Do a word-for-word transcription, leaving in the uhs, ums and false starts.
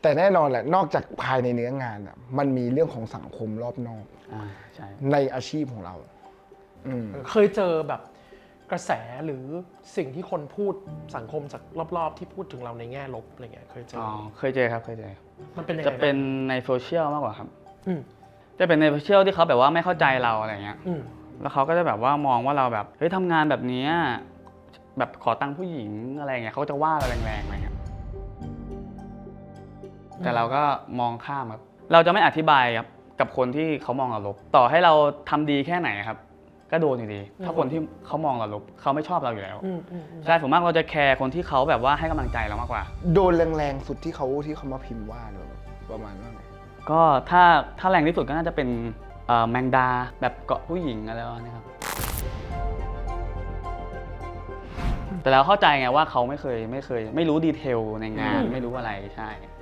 แต่แน่นอนแหละนอกจากภายในเนื้องานอ่ะมันมีเรื่องของสังคมรอบนอกอ่าใช่ในอาชีพของเราอืมเคยเจอแบบกระแสหรือสิ่งที่คนพูดสังคมจากรอบๆที่พูดถึงเราในแง่ลบอะไรเงี้ยเคยเจออ๋อเคยเจอครับเคยเจอมันเป็นยังไงจะเป็นบ้างในโซเชียลมากกว่าครับอืมจะเป็นในโซเชียลที่เขาแบบว่าไม่เข้าใจเราอะไรเงี้ยอืมแล้วเขาก็จะแบบว่ามองว่าเราแบบเฮ้ยทำงานแบบนี้แบบขอตังค์ผู้หญิงอะไรเงี้ยเขาจะว่าเราแรงๆอะไรเงี้ยแต่เราก็มองข้ามครับเราจะไม่อธิบายครับกับคนที่เขามองเราลบต่อให้เราทำดีแค่ไหนครับก็โดนอยู่ดีถ้าคนที่เขามองเราลบเขาไม่ชอบเราอยู่แล้วอืมอืมอืมใช่ผมมากเราจะแคร์คนที่เขาแบบว่าให้กำลังใจเรามากกว่าโดนแรงๆสุดที่เขาที่เขามาพิมพ์ว่าเราประมาณว่าไงก็ถ้าถ้าแรงที่สุดก็น่าจะเป็นเอ่อแมงดาแบบเกาะผู้หญิงอะไรประมาณนี้ครับแต่เราเข้าใจไงว่าเขาไม่เคยไม่เคย ไม่รู้ดีเทลในงานไม่รู้อะไรใช่